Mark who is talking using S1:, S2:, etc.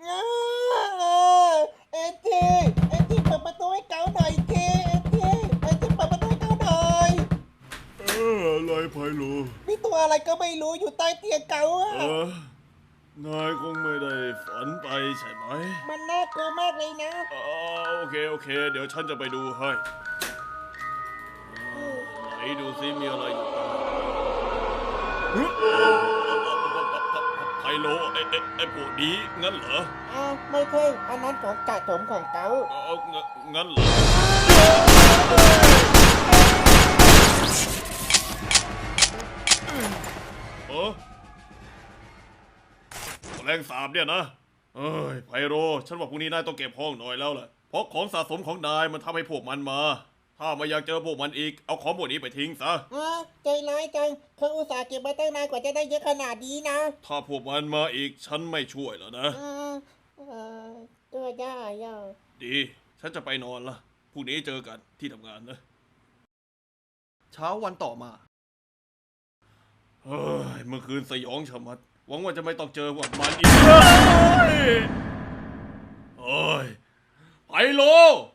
S1: เอทีเปิดประตูให้เก๋าหน่อยทีเอทีเปิดประตูให้เก๋าหน่อย
S2: อะไรไพโล
S1: มีตัวอะไรก็ไม่รู้อยู่ใต้เตียงเก๋าอะ
S2: นายคงไม่ได้ฝันไปใช่ไหม
S1: มันน่ากลัวมากเลยนะ
S2: โอเคเดี๋ยวฉันจะไปดูให้ไหนดูซิมีอะไรอยู่ไพโลไอ้พวกนี้งั้นเหรอ
S1: ไม่ใช่อันนั้นของสะสมของเก๋า
S2: งั้นเหรอแรงสาบเนี่ยนะไพโรฉันว่าพรุ่งนี้นายต้องเก็บห้องหน่อยแล้วแหละเพราะของสะสมของนายมันทำให้พวกมันมาถ้าไม่อยากเจอพวกมันอีกเอาของพวกนี้ไปทิ้งซะ
S1: ใจร้ายจังเขาอุตส่าห์เก็บมาตั้งนานกว่าจะได้เยอะขนาดนี้นะ
S2: ถ้าพวกมันมาอีกฉันไม่ช่วยแล้วนะ
S1: ก็ได้
S2: ดีฉันจะไปนอนละพรุ่งนี้เจอกันที่ทำงานนะ
S3: เช้าวันต่อมา
S2: เมื่อคืนสยองชะมัดหวังว่าจะไม่ต้องเจอพวกมันอีกไพโล